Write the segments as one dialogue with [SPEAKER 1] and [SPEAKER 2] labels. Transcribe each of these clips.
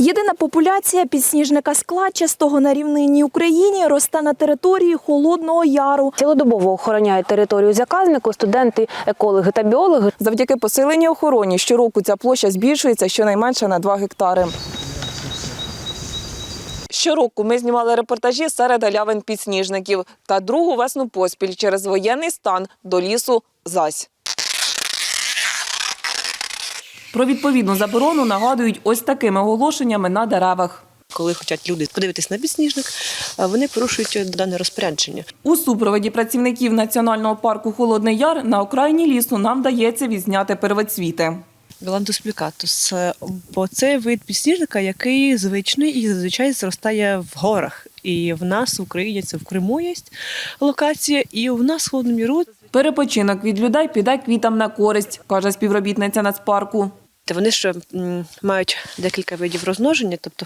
[SPEAKER 1] Єдина популяція підсніжника складчастого на рівнинній Україні росте на території Холодного Яру.
[SPEAKER 2] Цілодобово охороняють територію заказнику студенти, екологи та біологи.
[SPEAKER 3] Завдяки посиленій охороні щороку ця площа збільшується щонайменше на 2 гектари. Щороку ми знімали репортажі серед галявин підсніжників. Та другу весну поспіль через воєнний стан до лісу зась. Про відповідну заборону нагадують ось такими оголошеннями на деревах.
[SPEAKER 4] Коли хочуть люди подивитись на підсніжник, вони порушують дане розпорядження.
[SPEAKER 3] У супроводі працівників Національного парку «Холодний Яр» на окраїні лісу нам вдається відзняти первоцвіти.
[SPEAKER 4] Галантус плікатус, бо це вид підсніжника, який звичний і зазвичай зростає в горах. І в нас в Україні це в Криму є локація, і у нас в Холодному Яру.
[SPEAKER 3] Перепочинок від людей піде квітам на користь, каже співробітниця Нацпарку.
[SPEAKER 4] Вони ж мають декілька видів розмноження, тобто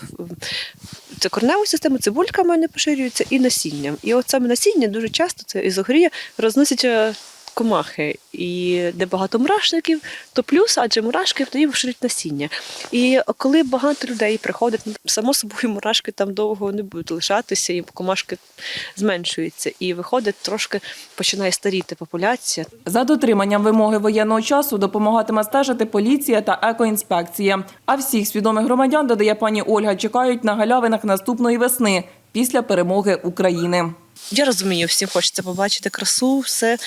[SPEAKER 4] це кореневу систему, цибульками вони поширюються і насінням. І от саме насіння дуже часто, це ізогрія, розносять комахи. І де багато мурашників, то плюс, адже мурашки тоді поширюють насіння. І коли багато людей приходять, само собою мурашки там довго не будуть лишатися, і комашки зменшуються. І виходить, трошки починає старіти популяція.
[SPEAKER 3] За дотриманням вимоги воєнного часу допомагатиме стежити поліція та екоінспекція. А всіх свідомих громадян, додає пані Ольга, чекають на галявинах наступної весни після перемоги України.
[SPEAKER 4] Я розумію, всім хочеться побачити красу, все.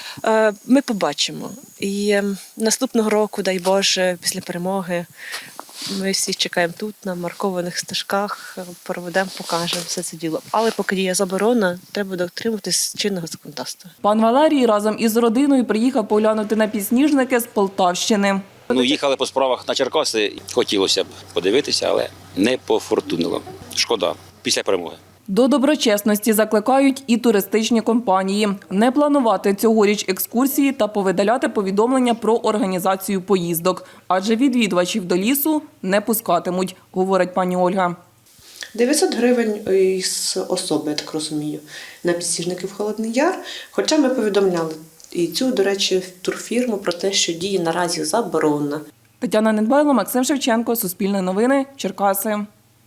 [SPEAKER 4] Ми побачимо. І наступного року, дай Боже, після перемоги, ми всі чекаємо тут, на маркованих стежках, проведемо, покажемо все це діло. Але поки є заборона, треба дотримуватись чинного законодавства.
[SPEAKER 3] Пан Валерій разом із родиною приїхав поглянути на підсніжники з Полтавщини.
[SPEAKER 5] Їхали по справах на Черкаси, хотілося б подивитися, але не пофортунило. Шкода, після перемоги.
[SPEAKER 3] До доброчесності закликають і туристичні компанії. Не планувати цьогоріч екскурсії та повидаляти повідомлення про організацію поїздок. Адже відвідувачів до лісу не пускатимуть, говорить пані Ольга.
[SPEAKER 6] 900 гривень із особи, я так розумію, на підсніжники в Холодний Яр. Хоча ми повідомляли і цю, до речі, турфірму про те, що діє наразі заборона.
[SPEAKER 3] Тетяна Недбайло, Максим Шевченко, Суспільне новини, Черкаси.